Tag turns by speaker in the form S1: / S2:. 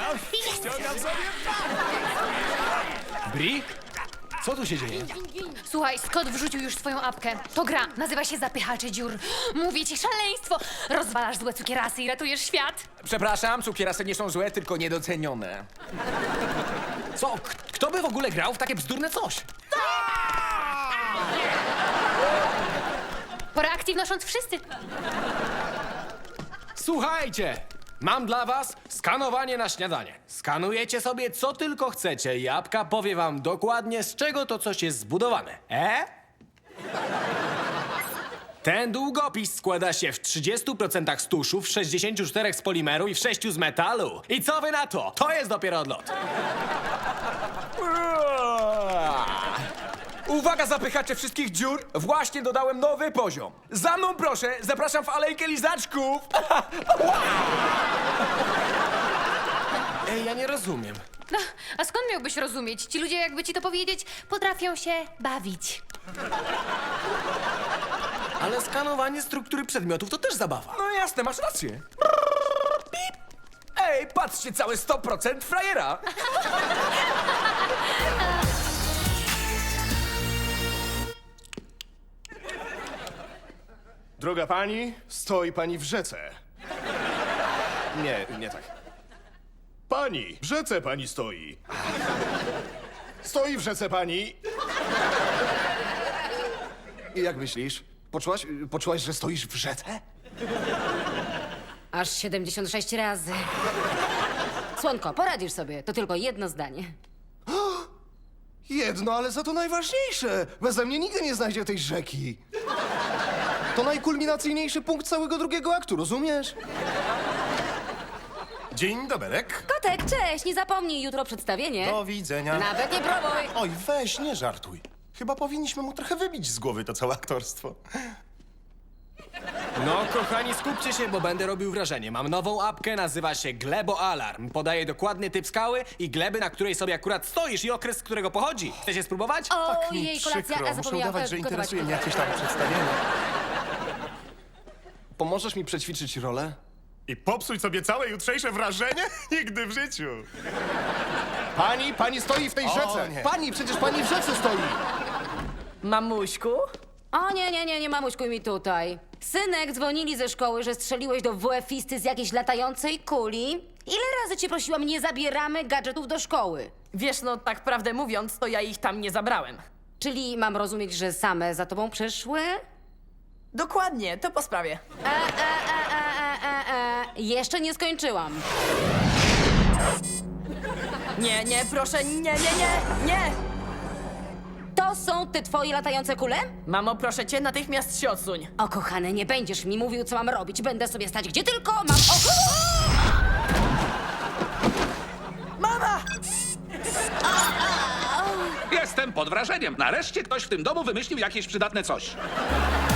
S1: ściągam sobie. Bri? Co tu się dzieje?
S2: Słuchaj, Scott wrzucił już swoją apkę. To gra, nazywa się Zapychacze dziur. Mówię ci, szaleństwo! Rozwalasz złe cukierasy i ratujesz świat.
S1: Przepraszam, cukierasy nie są złe, tylko niedocenione. Co? Kto by w ogóle grał w takie bzdurne coś?
S2: Po reakcji wnosząc wszyscy.
S1: Słuchajcie! Mam dla was skanowanie na śniadanie. Skanujecie sobie co tylko chcecie i apka powie wam dokładnie, z czego to coś jest zbudowane. Ten długopis składa się w 30% z tuszu, w 64% z polimeru i w 6% z metalu. I co wy na to? To jest dopiero odlot. Uwaga, zapychacze wszystkich dziur! Właśnie dodałem nowy poziom. Za mną proszę, zapraszam w alejkę lizaczków. Ej, ja nie rozumiem.
S2: No, a skąd miałbyś rozumieć? Ci ludzie, jakby ci to powiedzieć, potrafią się bawić.
S1: Ale skanowanie struktury przedmiotów to też zabawa. No jasne, masz rację. Pip. Ej, patrzcie, całe 100% frajera.
S3: Droga pani, stoi pani w rzece. Nie tak. Pani, w rzece pani stoi. Stoi w rzece pani. I jak myślisz? Poczułaś, że stoisz w rzece?
S4: Aż 76 razy. Słonko, poradzisz sobie. To tylko jedno zdanie.
S3: Jedno, ale za to najważniejsze. Beze mnie nigdy nie znajdzie tej rzeki. To najkulminacyjniejszy punkt całego drugiego aktu, rozumiesz?
S5: Dzień doberek.
S4: Kotek, cześć! Nie zapomnij, jutro przedstawienie.
S5: Do widzenia.
S4: Nawet nie próbuj!
S5: Oj, weź, nie żartuj. Chyba powinniśmy mu trochę wybić z głowy to całe aktorstwo.
S1: No, kochani, skupcie się, bo będę robił wrażenie. Mam nową apkę, nazywa się Glebo Alarm. Podaje dokładny typ skały i gleby, na której sobie akurat stoisz i okres, z którego pochodzi. Chcecie spróbować?
S5: Tak mi
S4: Ojej, kolacja,
S5: przykro.
S4: a
S5: Muszę
S4: zapomniałam
S5: udawać, że
S4: gotować.
S5: interesuje mnie jakieś tam przedstawienie.
S3: Pomożesz mi przećwiczyć rolę?
S5: I popsuć sobie całe jutrzejsze wrażenie? Nigdy w życiu.
S3: Pani stoi w tej
S5: O,
S3: rzece!
S5: nie.
S3: Pani, przecież pani w rzece stoi!
S6: Mamuśku?
S4: O nie, mamuśkuj mi tutaj. Synek, dzwonili ze szkoły, że strzeliłeś do WF-isty z jakiejś latającej kuli. Ile razy cię prosiłam, nie zabieramy gadżetów do szkoły?
S6: Wiesz, no tak prawdę mówiąc, to ja ich tam nie zabrałem.
S4: Czyli mam rozumieć, że same za tobą przyszły?
S6: Dokładnie, to po sprawie.
S4: Jeszcze nie skończyłam.
S6: Nie, proszę, nie!
S4: To są te twoje latające kule?
S6: Mamo, proszę cię, natychmiast się odsuń.
S4: O kochany, nie będziesz mi mówił, co mam robić. Będę sobie stać gdzie tylko mam oko.
S6: Mama!
S7: Jestem pod wrażeniem. Nareszcie ktoś w tym domu wymyślił jakieś przydatne coś.